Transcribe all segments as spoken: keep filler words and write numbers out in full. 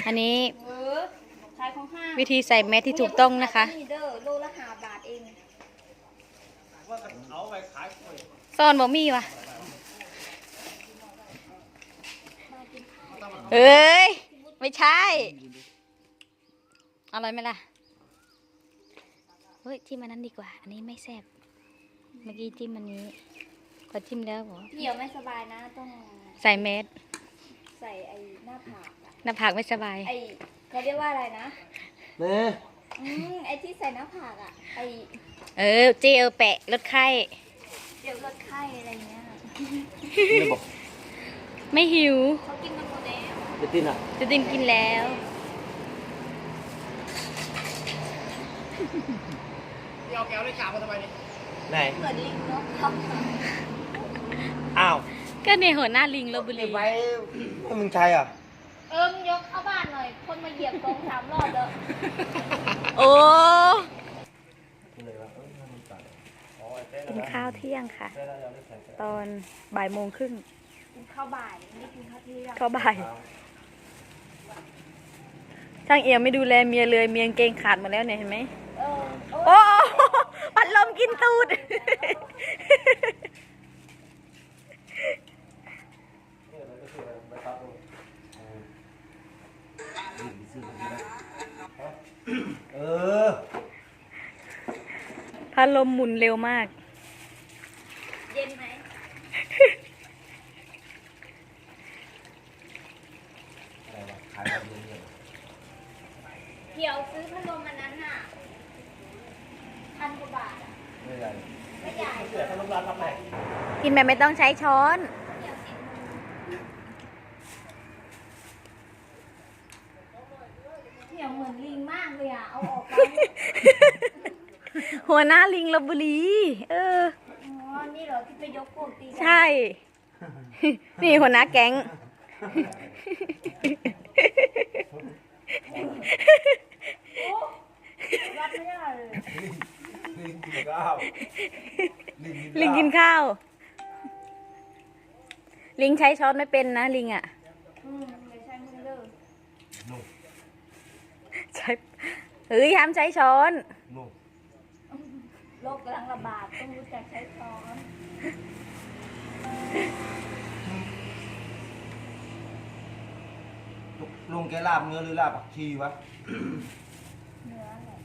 อันนี้ขายของห้างวิธีใส่แมสที่ถูกต้องนะคะโลละห้าบาทเองซ่อนบ่มีวะเอ้ยไม่ใช่อร่อยไหมล่ะเฮ้ยจิ้มอันนั้นดีกว่าอันนี้ไม่แซ่บเมื่อกี้จิ้มอันนี้พอจิ้มแล้วเหรอเหี่ยวไม่สบายนะต้องใส่แมสใส่ไอ้หน้าผากหน้าผากไม่สบายไอ้เขาเรียกว่าอะไรนะเนี่ยอืมไอ้ที่ใส่หน้าผากอ่ะไอ้เออเจลแปะลดไข้เดี๋ยวลดไข้อะไรเงี้ยไม่หิวเขากินกันหมดแล้วจะตินอ่ะจะตินกินแล้วเอาแก้วได้กาบมาทำไมเนี่ยไหนเหมือนลิงเนาะอ้าวก็ในหัวหน้าลิงลพบุรีไว้ให้มึงใช้อ่ะเอิมยกเข้าบ้านหน่อยคนมาเหยียบกองสามรอบแล้วโอ้กินข้าวเที่ยงค่ะตอนบ่ายโมงครึ่งกินข้าวบ่ายไม่กินข้าวเที่ยงข้าวบ่ายช่างเอี่ยมไม่ดูแลเมียเลยเมียเกงขาดหมดแล้วเนี่ยเห็นไหมโอ้ปัดลมกินตูดเออพัดลมหมุนเร็วมากเย็นไหมเดี๋ยวซื้อพัดลมอันนั้นน่ะพันกว่าบาทอ่ะไม่ใหญ่ไม่ใหญ่เสียพัดลมร้านรับไหนกินแบบไม่ต้องใช้ช้อนเหี่ยวเหมือนลิงมากเลยอ่ะเอาออกไปหัวหน้าลิงลพบุรีเอออ๋อนี่เหรอที่ไปยกพวกตีใช่นี่หัวหน้าแก๊งรับไม่ได้เลยลิงกินข้าวลิงกินข้าวลิงใช้ช้อนไม่เป็นนะลิงอ่ะอืมไม่ใช่มึงเด้อใช้เฮ้ยห้ามใช้ช้อนโรคกำลังระบาดต้องรู้จักใช้ช้อนลุงแกลาบเนื้อหรือลาบผักชีวะเนื้อแหละ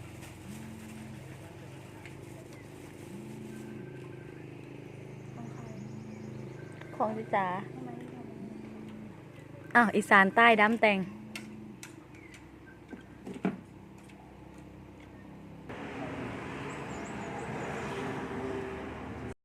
ของจิจ๋าอ้าวอีสานใต้ดำแต่ง